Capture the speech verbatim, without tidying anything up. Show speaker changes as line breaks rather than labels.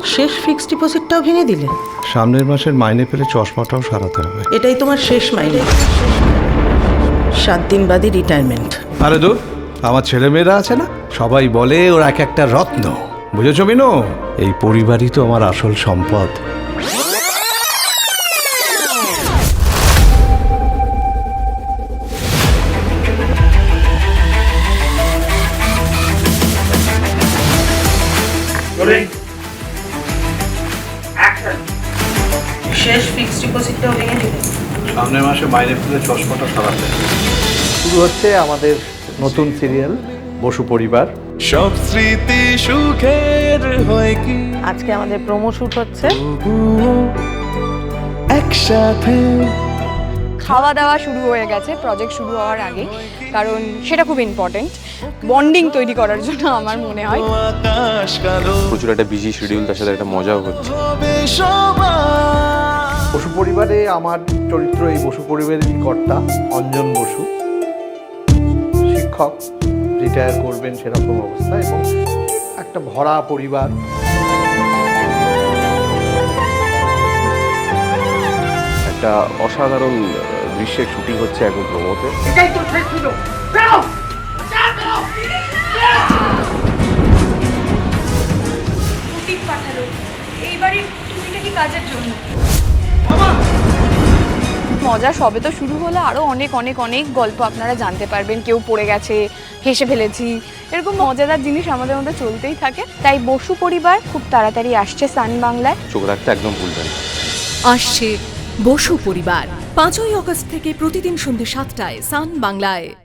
শেষ ফিক্সড ডিপোজিটটাও ভেঙে দিলে?
সামনের মাসের মাইনে পেলে চশমাটাও সারাতে হবে।
এটাই তোমার শেষ মাইনে। সাত দিন বাদে রিটায়ারমেন্ট।
আরে দূর, আমার ছেলে মেয়েরা আছে না, সবাই বলে ওর এক একটা রত্ন। বুঝেছো মিনু? এই পরিবারই তো আমার আসল সম্পদ।
শেষ ফিক্সড ডিপোজিটটাও ভেঙে দিলে?
সামনের মাসে মাইনে পেলে চশমাটা সারাতে হবে। শুরু হচ্ছে আমাদের নতুন সিরিয়াল বসু পরিবার।
সব স্মৃতি সুখের হয় কি
আজকে আমাদের প্রোমো শুট হচ্ছে।
একসাথে
খাওয়া দাওয়া শুরু হয়ে গেছে প্রজেক্ট শুরু হওয়ার আগে, কারণ সেটা খুব ইম্পর্টেন্ট বন্ডিং তৈরি করার জন্য আমার মনে হয়।
আকাশ কালো
প্রচুর একটা বিজি শিডিউল, তার সাথে একটা মজাও হচ্ছে।
হবে সবার
বসু পরিবারে আমার চরিত্র এই বসু পরিবারেরই কর্তা অঞ্জন বসু, শিক্ষক, রিটায়ার করবেন সেরকম অবস্থা, এবং একটা ভরা পরিবার।
একটা অসাধারণ দৃশ্যের শুটিং হচ্ছে এখন প্রমোতে।
মজা সবে তো শুরু হলে আরো অনেক অনেক অনেক গল্প আপনারা জানতে পারবেন। কেউ পড়ে গেছে, হেসে ফেলেছি, এরকম মজাদার জিনিস আমাদের মধ্যে চলতেই থাকে। তাই বসু পরিবার খুব তাড়াতাড়ি আসছে সান বাংলায়।
চোখ রাখতে একদম ভুলবেন না।
আসছে বসু পরিবার পাঁচই অগস্ট থেকে প্রতিদিন সন্ধ্যে সাতটায় সান বাংলায়।